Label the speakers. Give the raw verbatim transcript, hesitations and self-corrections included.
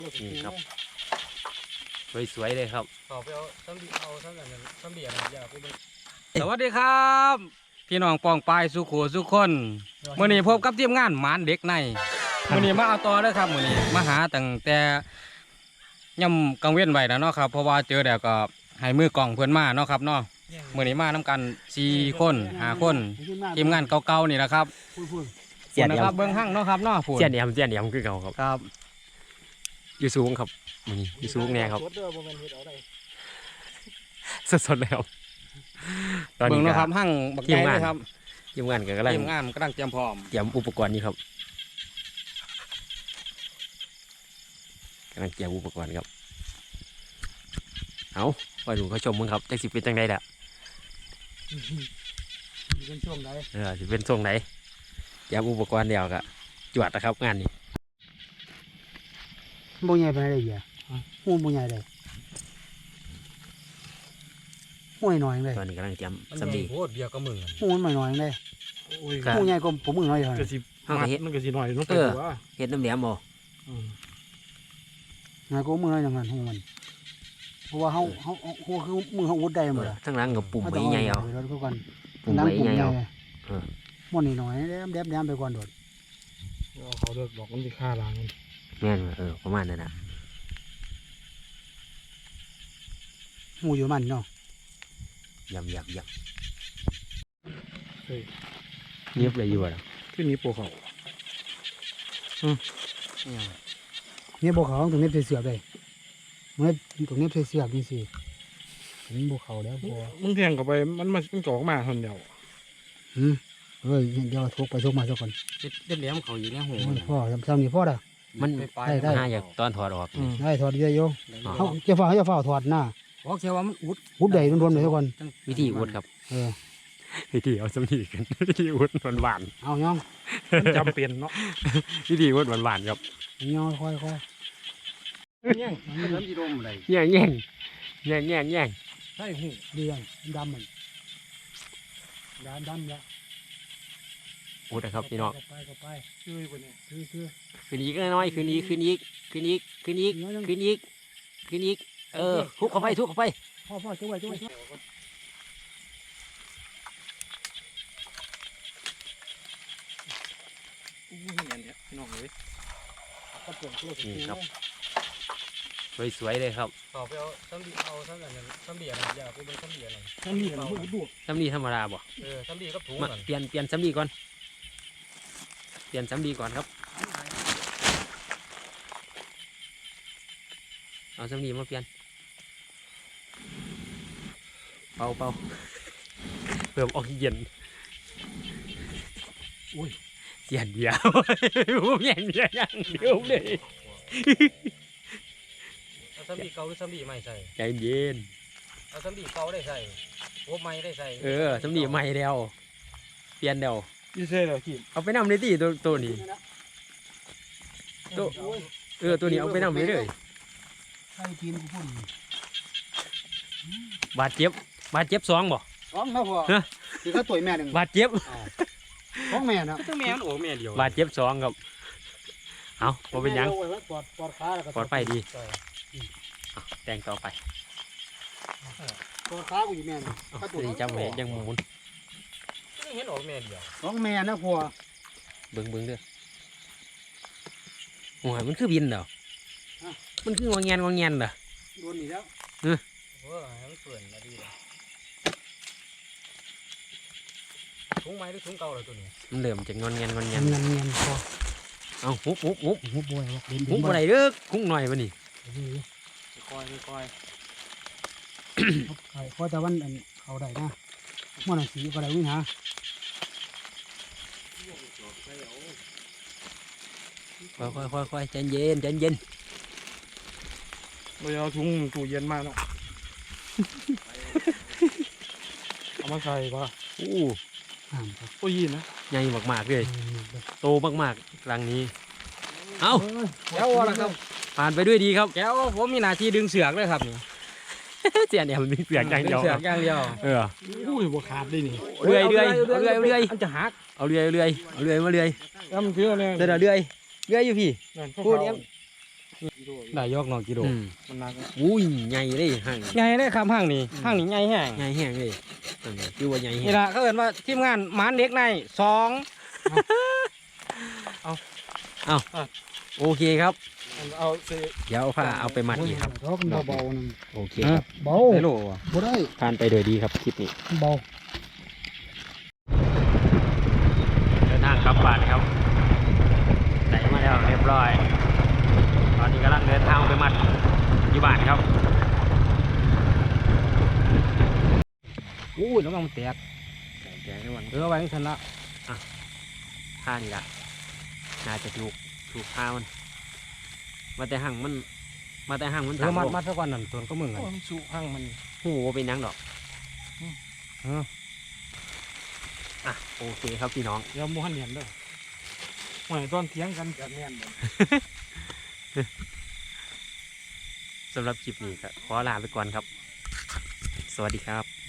Speaker 1: นี่ครับสวยๆเลยครับ
Speaker 2: ต่อไปเอาซ้ำดีเอาซ้ำแบบนั้นซ้ำเดียร์อย่าไปเลย
Speaker 1: สวัสดีครับพี่น้องปองปายสุขสุขคนมื่อนี้พบกับทีมงานหมานเด็กในมื่อนี้มาเอาต่อเลยครับมื่อนี้มาหาตั้งแต่ย่ำกังเว้นไว้แล้วเนาะครับเพราะว่าเจอแล้วก็ให้มือกล่องเพื่อนมาเนาะครับเนาะมื่อนี้มาน้ากันสี่คนห้าคนทีมงานเก่าๆนี่แหละครับ
Speaker 3: เสียน
Speaker 1: นะครับเบิ้งห้างเนาะครับเนาะ
Speaker 3: เสียนเดียมเสียนเดียมคือเก่าครับ
Speaker 1: ครับ
Speaker 3: อยู่สูงครับมื้อนี้อยู่สูงแน่ครับสดๆเลยครับตอน
Speaker 1: เบิ้
Speaker 3: นี้
Speaker 1: ง
Speaker 3: ก็
Speaker 1: เนาะครับห้างบักใหญ่เลยครับ
Speaker 3: ทีมงานก็กำลัง
Speaker 1: ทีมงานกำลังเตรียมพร้อม
Speaker 3: เตรียมอุปกรณ์นี่ครับกำลังเตรียมอุปกรณ์ครับเอาไปดูเขาชมมึงครับจักสิเป็นจังไดล่ะ
Speaker 2: เป็นช่วงไหน
Speaker 3: เออสิเป็นทรงไหนเตรียมอุปกรณ์เดียวก็จวดนะครับงานนี้
Speaker 2: บ่ใหญ่ไปไหนเลยหูบ่ใหญ่เลยหูหน่อยเลย
Speaker 3: ตอนนี้กำลังเตรียมสำลี
Speaker 1: โคตรเบียร์ก็มึง
Speaker 2: หูมันหน่อยเลย
Speaker 3: ก็
Speaker 2: หูใหญ่กว่าผมมือหน่อยเลย
Speaker 4: ก็สิ
Speaker 3: ห้างก็เฮ็ด
Speaker 4: มันก็สิหน่อยลงไป
Speaker 3: เออ
Speaker 4: ว่า
Speaker 3: เฮ็ดน้ำเหลี่ยมบ่
Speaker 2: หน่อยกว่ามือหน่อยอย่างนั้นหูมันเพราะว่าเขาเขาหูคือมือเขาวุดได้หมดอะ
Speaker 3: ทั้งหลังกับปุ่มใบใหญ่เอา
Speaker 2: แล้วก็ก่อน
Speaker 3: ปุ่มใบใหญ่เอา เออ
Speaker 2: มันนี่หน่อยแดมแดมแดมไปก่อนโดด
Speaker 4: เอาเขาเลิกบอกมันสิฆ่าล้างมัน
Speaker 3: แม่นบ่เออประมาณนั้นนะ
Speaker 2: หูอยู่มันเนาะ
Speaker 3: ยำยำย
Speaker 4: เฮ้ย
Speaker 3: ำเงียบเลยอยู่อ่ะ
Speaker 4: ขึ้นนี้โปเขา
Speaker 2: เนี่ยบอกเขาตรงนี้เสือกเลยเนี่ยตรงนี้เสือกนี่สินี่บอกเขาแล้วพอ
Speaker 4: มึงแทงเข้าไปมันมันมันจ่อมาคนเดียว
Speaker 2: อืมเฮ้ยเดี๋ยวทุกไปทุกมาสักคน
Speaker 1: เด็ดเหลี่ยมเขาอยู่ในหู
Speaker 2: พ่อทำนี่พ่อละ
Speaker 3: มัน
Speaker 1: ไป
Speaker 2: ได้
Speaker 3: หาอยากตอนถอดออก
Speaker 2: ได้ถอดเยอะโย
Speaker 3: อ๋อ
Speaker 2: เขาจะฝ่าเขาจะฝ่าถอดหน้า
Speaker 1: บอกเชียวว่ามันอุด
Speaker 2: พุดใหญ่รวมๆเลยทุกคน
Speaker 3: วิธีอุดครับ
Speaker 2: เออ
Speaker 3: วิธีเอาสำลีกัน วิธีอุดหวานหวาน
Speaker 2: เอาย่อง
Speaker 4: มันจำเป็นเนาะ
Speaker 3: ๆวิธีอุดหวานหวานๆครับ
Speaker 2: ย่องค่อยค่อย
Speaker 1: เนี่ยมันเริ่มจีดมอะไร
Speaker 3: แย่งแย่งแย่งแย่งแย่ง
Speaker 2: ใช่หูเดือนดำมันดำดำละ
Speaker 3: อุดนะครับพี่น้อง
Speaker 2: ไปก็ไป
Speaker 4: ช่วยคนนี้
Speaker 2: คือคือ
Speaker 3: คืนอีกน้อยคืนอีกคืนอีกคืนอีกคืนอีกคืนอีกคืนอีกเออทุบเข้าไปทุบเข้าไป
Speaker 2: พ่อพ่อช่วยช่วยช่วย
Speaker 4: อู้ยเห็นเนี่ยพี่น้องเลย
Speaker 3: นี่ครับสวยๆเลยครับ
Speaker 1: ต่อไปเอาซ้ำดีเอาซ้ำแบบนั้นซ้ำเบียร์อย่าไปเป็นซ้ำเบียร์อะไร
Speaker 4: ถ้ามีมันพูดดู
Speaker 3: สำลีธรรมดาบ่
Speaker 1: เออซ้ำดีก็ถุง
Speaker 3: มา
Speaker 1: กัน
Speaker 3: เปลี่ยนเปลี่ยนสำลีก่อนเปลี่ยนสำลีก่อนครับเอาสำลีมาเปลี่ยนเป่าเป่าเพิ่มออกซิเจนอุ้ยเสียนเดียวผมแย่งเดียวอย่างเดียวเลย
Speaker 1: เอาซ้ำดีเก่าหรือซ้ำดีใหม่ใส่
Speaker 3: ใจเย็น
Speaker 1: เอาซ้ำดีเก่าได้ใส่โอ้ใหม่ได้ใส่
Speaker 3: เออสำลีใหม่แล้วเปลี่ยนเดียว
Speaker 4: ยี่เซ่เลยกิน
Speaker 3: เอาไปนำเลยที่ตัวตัวนี้ตัวเออตัวนี้เอาไปนำเลยเลย
Speaker 2: ใช่กินกูพูด
Speaker 3: บาดเจ็บบาดเจ็บสองบ่
Speaker 2: ร้องนะพ่อคือเขาต่อยแม่หนึ่ง
Speaker 3: บาดเจ็บ
Speaker 2: ร้องแม่นะ
Speaker 1: ก็ต้องแม่มันโอ้แม่เดียว
Speaker 3: บาดเจ็บสองครับเอาพอเป็นหยัง
Speaker 2: ปอดปอดขาแล้วก็
Speaker 3: ปลอดภัยดีเอาแต่งต่อไป
Speaker 2: ปอดขากูอยู่แม่นะ
Speaker 3: เอาตัวนี้จำไว้ยังหมุน
Speaker 1: ไม่เห็นโอ้แม่เดียว
Speaker 2: ร้องแม่นะพ่อ
Speaker 3: เบิ่งเบิ่งเด้อโอ้ยมันคือบินเหรอมันคืองอแงนงอแงนเหรอ
Speaker 2: โดนอีกแล้ว
Speaker 1: เออมันเปื่อนมาดีเลยถุงไม้หรือถุงเก่าเลยตัวนี้
Speaker 3: มันเริ่มจากงอนแงนงอนแง
Speaker 2: เงีย
Speaker 3: น
Speaker 2: นเงียนพ่อ
Speaker 3: เอาหุบหุบหุบ
Speaker 2: หูบวยเด่น
Speaker 3: หุบอะไรเด้อคุ้งหน่อยวันนี้
Speaker 1: คอยคอย
Speaker 2: เพราะแต่วันเขาได้นะมันสีก็ได้วิ่งหา
Speaker 3: ค่อยค่อยค่อยค่อยใจเย็นใจเย็น
Speaker 4: เราจะเอาถุงตู้เย็นมาเนาะเอามาใส่ป่ะ
Speaker 3: อู้
Speaker 2: ห่างครับ
Speaker 4: โอ้ยยินนะ
Speaker 3: ใหญ่มากๆเลยโตมากๆรังนี้เอา
Speaker 1: แก้วละครับ
Speaker 3: ผ่านไปด้วยดีครับ
Speaker 1: แก้วผมมีหน้าที่ดึงเสือกเลยครับนี่
Speaker 3: เสียเนี่ยมันมีเสียงอย่างเดียว
Speaker 1: เสือกอย่างเดียว
Speaker 3: เออ
Speaker 4: อู้ยบ่ขาดได้นี่
Speaker 3: เรื่อยเรื่อยเอาเรื่อยเรื่อย
Speaker 1: มันจะหัก
Speaker 3: เอาเรื่อยเรื่อยเอาเรื่อยมาเรื่อย
Speaker 4: แล้วมันเชื่อเลย
Speaker 3: เดี๋ยวเรื่อยเรื่อยอยู่พี่
Speaker 4: นั่น
Speaker 3: พูดเนี้ย
Speaker 4: กิโล
Speaker 1: ได้ยกหนอกิโล
Speaker 3: อืม
Speaker 4: มันหนักนะ
Speaker 3: อุ้ยใหญ่เลยห่าง
Speaker 1: ใหญ่เลยครับห้างนี้ห้างนี้ใหญ่แห้ง
Speaker 3: ใหญ่แห้งเลยนั่นน่ะคือว่าใหญ่แห้
Speaker 1: นี่
Speaker 3: ง
Speaker 1: ละเขาเอิ้นว่าทีมงานหมานเด็กในสอง
Speaker 3: โอเคครับ
Speaker 4: เอาเส
Speaker 3: เดี๋ยวเอาผ้าเอาไปมัดอีกครับ
Speaker 2: เพราะมันเบาๆนึง
Speaker 3: โอเคครับ
Speaker 2: เบา
Speaker 1: ไม่รู้ว่ะ
Speaker 2: บ่ได้
Speaker 3: ผ่านไปโดยดีครับคลิปนี้
Speaker 2: เบา
Speaker 3: เดินทางกลับบ้านครับไหนมาแล้วเรียบร้อย ตอนนี้กำลังเดินทางไปมัดอยู่บ้านครับ
Speaker 1: อู้ยแล้วมันแตก
Speaker 3: แกงด้วย
Speaker 1: เออไว้ทันละ
Speaker 3: ผ้านี่ละน่าจะถูกถูกผ้ามัน มาแต่ห่างมัน มาแต่ห่างมัน
Speaker 1: เอ
Speaker 3: ต่า
Speaker 1: อง มัด
Speaker 3: โลก
Speaker 1: มัดสักวันนั่นส่วนก็มึงกัน
Speaker 4: โอ้ยมันสุกหั่งมัน
Speaker 3: โอ้โหเป็นหยังดอก
Speaker 1: เออ
Speaker 3: อ่ะโอเคครับพี่น้อง
Speaker 4: เดี๋ยวหมูหันเห็นเด้อหวยตอนเถียงกันจะแน่นเลย
Speaker 3: สำหรับคลิปนี้ก็ขอลาไปก่อนครับ สวัสดีครับ